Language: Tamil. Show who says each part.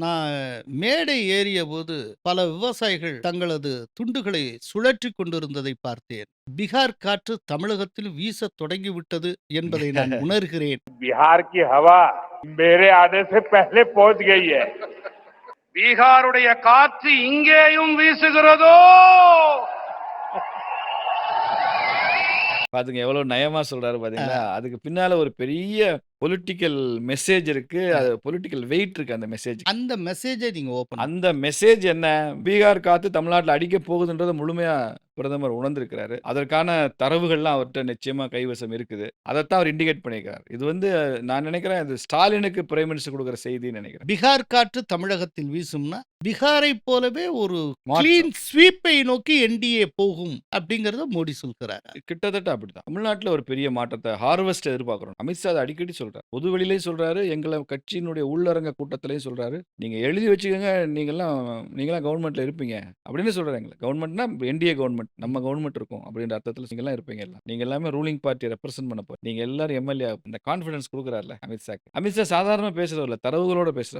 Speaker 1: நான் மேடை ஏறியபோது பல விவசாயிகள் தங்களது துண்டுகளை சுழற்றிக் கொண்டிருந்ததை பார்த்தேன். பீகார் காற்று தமிழகத்தில் வீசத் தொடங்கிவிட்டது என்பதை நான் உணர்கிறேன்.
Speaker 2: बिहार की हवा मेरे आने से पहले पहुंच गई है.
Speaker 3: பீகாருடைய காற்று இங்கேயும் வீசுகிறதோ.
Speaker 4: பாத்துங்க எவ்வளவு நயமா சொல்றாரு பாத்தீங்களா? அதுக்கு பின்னால ஒரு பெரிய பொலிட்டிக்கல் மெசேஜ் இருக்கு. அது பொலிட்டிக்கல் வெயிட் இருக்கு அந்த மெசேஜ்.
Speaker 1: அந்த மெசேஜை நீங்க ஓபன்
Speaker 4: அந்த மெசேஜ் என்ன? பீகார் காத்து தமிழ்நாட்டுல அடிக்க போகுதுன்றத முழுமையா பிரதமர் உணர்ந்திருக்கிறாரு. அதற்கான தரவுகள்லாம் அவர்ட்ட நிச்சயமா கைவசம் இருக்குது. அதத்தான் அவர் இண்டிகேட் பண்ணியிருக்காரு. இது வந்து நான் நினைக்கிறேன் இது ஸ்டாலினுக்கு பிரைம் மினிஸ்டர் கொடுக்குற செய்தின்னு நினைக்கிறேன்.
Speaker 1: பீகார் காற்று தமிழகத்தில் வீசும்னா பீகாரை போலவே ஒரு
Speaker 4: மாற்றம்.
Speaker 1: கிளீன் ஸ்வீப்பை நோக்கி என்டிஏ போகும் அப்படிங்கறத மோடி சொல்கிறார்.
Speaker 4: கிட்டத்தட்ட அப்படிதான். தமிழ்நாட்டுல ஒரு பெரிய மாற்றத்தை ஹார்வெஸ்ட் எதிர்பார்க்கிறோம். அமித்ஷா அதை அடிக்கடி சொல்றாரு. பொது வெளியிலயும் சொல்றாரு. எங்களை கட்சியினுடைய உள்ளரங்க கூட்டத்திலையும் சொல்றாரு. நீங்க எழுதி வச்சுக்கோங்க. நீங்களாம் கவர்மெண்ட்ல இருப்பீங்க அப்படின்னு சொல்றாரு. எங்களை கவர்மெண்ட்னா என்டிஏ கவர்மெண்ட் நம்ம கவர்மெண்ட் இருக்கும் அப்படின்ற அர்த்தத்தில் நீங்க எல்லாம் இருப்பீங்க. எல்லாம் நீங்க எல்லாமே ரூலிங் பார்ட்டி ரெப்ரசென்ட் பண்ண போறீங்க. நீங்க எல்லாரும் எம்எல்ஏ இந்த கான்ஃபிடன்ஸ் கொடுக்குறாருல அமித்ஷா. அமித்ஷா சாதாரண பேசுறவர் இல்ல, தரவுகளோட பேசுறாரு.